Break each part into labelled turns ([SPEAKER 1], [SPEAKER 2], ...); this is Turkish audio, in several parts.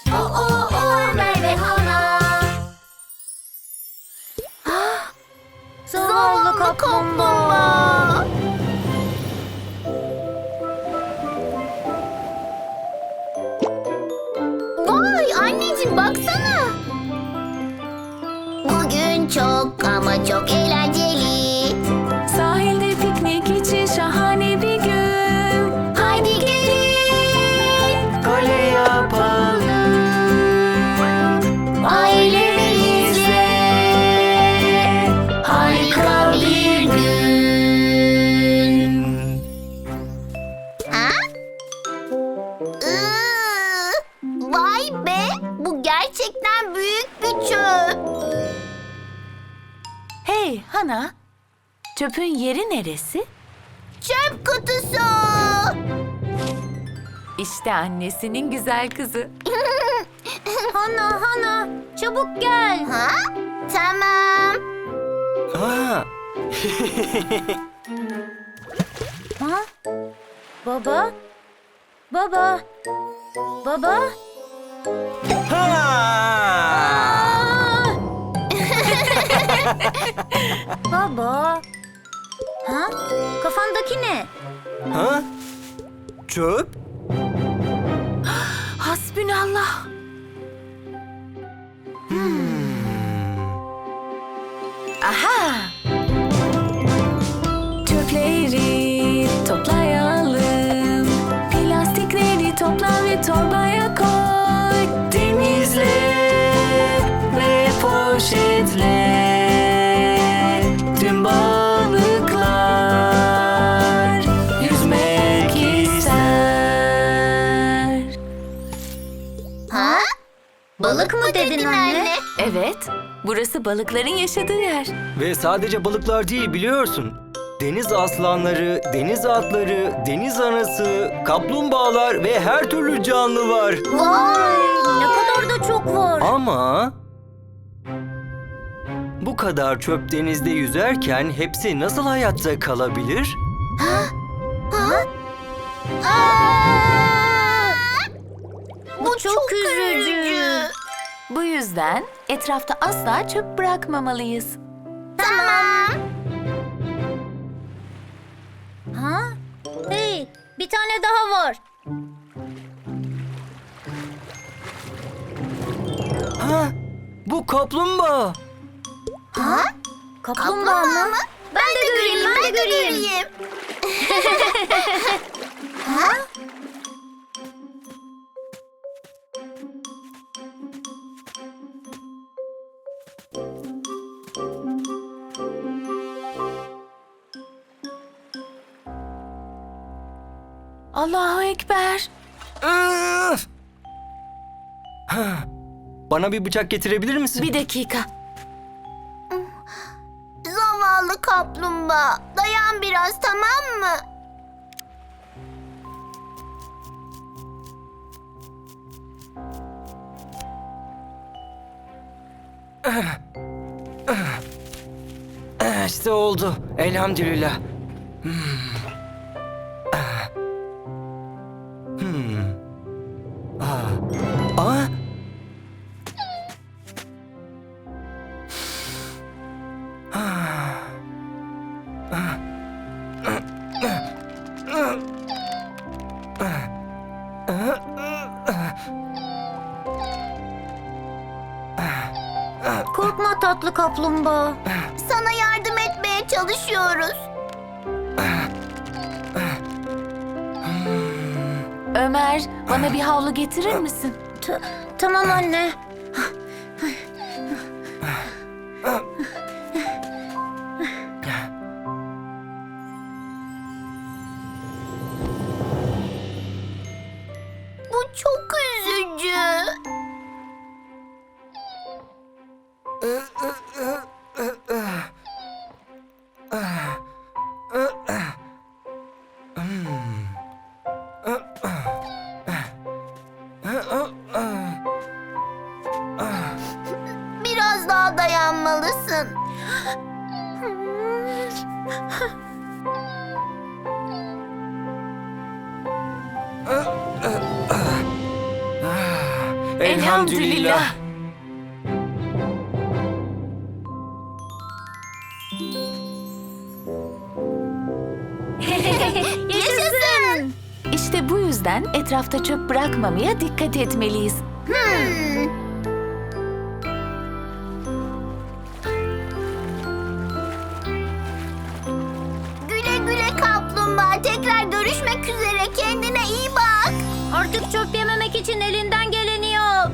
[SPEAKER 1] Ömer ve Hana. Zavallı kaplumbağa. Vay anneciğim baksana. Bugün çok ama çok eğlenceli.
[SPEAKER 2] Sahilde piknik için şahane bir gün.
[SPEAKER 1] Haydi gelin.
[SPEAKER 3] Kale yapalım
[SPEAKER 1] Ailemizle harika bir gün. Ha? Vay be! Bu gerçekten büyük bir çöp.
[SPEAKER 2] Hey Hana, çöpün yeri neresi?
[SPEAKER 1] Çöp kutusu.
[SPEAKER 2] İşte annesinin güzel kızı.
[SPEAKER 1] Hana, çabuk gel. Ha? Tamam.
[SPEAKER 3] Ha,
[SPEAKER 1] Ha? Baba? Baba?
[SPEAKER 3] ha.
[SPEAKER 1] Baba? Ha? Kafandaki ne?
[SPEAKER 3] Ha? Çöp?
[SPEAKER 2] Hasbünallah. Aha! Çöpleri toplayalım. Plastikleri topla ve torbaya koy.
[SPEAKER 3] Temizle ve poşetle. Tüm balıklar yüzmek ister.
[SPEAKER 1] Ha? Balık mı dedin anne?
[SPEAKER 2] Evet, burası balıkların yaşadığı yer.
[SPEAKER 3] Ve sadece balıklar değil biliyorsun. Deniz aslanları, deniz atları, deniz anası, kaplumbağalar ve her türlü canlı var.
[SPEAKER 1] Vay! Ne kadar da çok var.
[SPEAKER 3] Ama bu kadar çöp denizde yüzerken hepsi nasıl hayatta kalabilir?
[SPEAKER 1] Ha? Aa! Bu çok üzücü.
[SPEAKER 2] Bu yüzden etrafta asla çöp bırakmamalıyız.
[SPEAKER 1] Tamam. Ha? Hey, bir tane daha var.
[SPEAKER 3] Ha? Bu kaplumbağa.
[SPEAKER 1] Ha? Kaplumbağa mı? Ben de göreyim. Ha?
[SPEAKER 2] Allahu Ekber.
[SPEAKER 3] Öf! Ha, bana bir bıçak getirebilir misin?
[SPEAKER 2] Bir dakika.
[SPEAKER 1] Zavallı kaplumbağa. Dayan biraz, tamam mı?
[SPEAKER 3] İşte oldu. Elhamdülillah. Aa!
[SPEAKER 1] Korkma tatlı kaplumbağa. Sana yardım etmeye çalışıyoruz.
[SPEAKER 2] Ömer, bana bir havlu getirir misin?
[SPEAKER 1] Tamam anne. Bu çok üzücü. Biraz daha dayanmalısın.
[SPEAKER 2] Elhamdülillah.
[SPEAKER 1] Yaşasın.
[SPEAKER 2] İşte bu yüzden etrafta çöp bırakmamaya dikkat etmeliyiz.
[SPEAKER 1] Güle güle kaplumbağa. Tekrar görüşmek üzere. Kendine iyi bak. Artık çöp yememek için elinden geleni yap.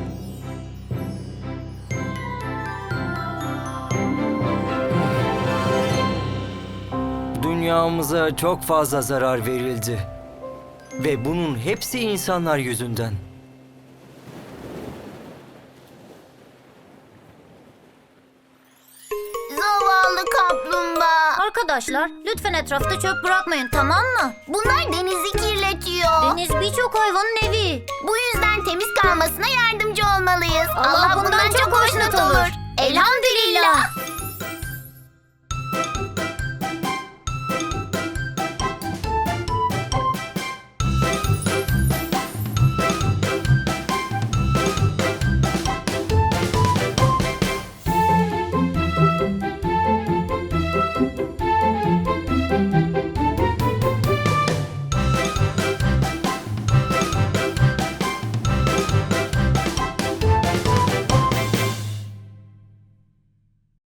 [SPEAKER 3] Dünyamıza çok fazla zarar verildi. Ve bunun hepsi insanlar yüzünden.
[SPEAKER 1] Zavallı kaplumbağa. Arkadaşlar lütfen etrafta çöp bırakmayın, tamam mı? Bunlar denizi kirletiyor. Deniz birçok hayvanın evi. Bu yüzden temiz kalmasına yardımcı olmalıyız. Allah bundan çok hoşnut olur. Elhamdülillah.